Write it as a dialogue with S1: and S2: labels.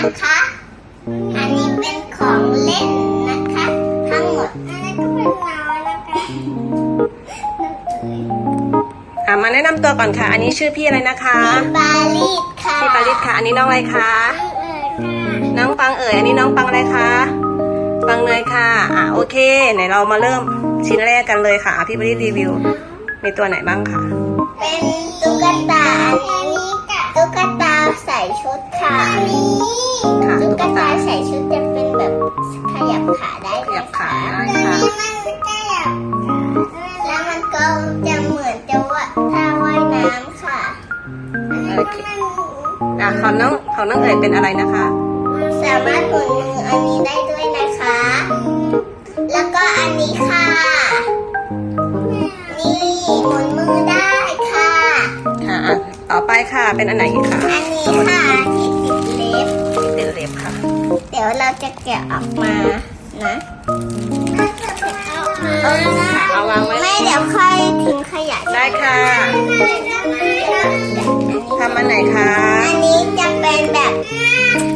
S1: นะคะ อันนี้เป็นของเล่นนะคะ ทั้งหมดอันนี้ก็เป็นน้อยนะคะ
S2: มาแนะนำตัวก่อนค่ะ อันนี้ชื่อพี่อะไรนะคะ
S1: ปาลิสค่ะ
S2: พี่ปาริสค่ะ อันนี้น้องอะไรคะ น้องปังเอ๋ย อันนี้น้องปังอะไรคะ ปังเนยค่ะโอเคไหนเรามาเริ่มชิ้นแรกกันเลยค่ะพี่ปาริสรีวิว มีตัวไหนบ้างคะ
S1: เป็นตุ๊กตาอันนี้ตุ๊กตาใส่ชุดค่ะตุ๊กตาใส่ชุดจะเป็นแบบขยับขาได้
S2: ขยับขาได้ค่ะ
S1: แล้วมันก็จะเหมือนจะว่าท่าว่ายน้ำค่ะ
S2: โอเคของน้องเอ๋ยเป็นอะไรนะคะ
S1: สามารถหมุนมืออันนี้ได้ด้วยนะคะ แล้วก็อันนี้ค่ะ นี่หมุนมือได้ค่ะ
S2: ค่ะต่อไปค่ะเป็นอันไหนอีกคะ
S1: อันนี้ค่ะที่ติดเล็บ
S2: เป็นเล็บค่ะ
S1: เดี๋ยวเราจะแกะออกมานะ
S2: เอาวางไว้
S1: ไม่เดี๋ยวค่อยทิ้งขยะ
S2: ได้ค่ะทำอันไหนคะ
S1: อันนี้จะเป็นแบบ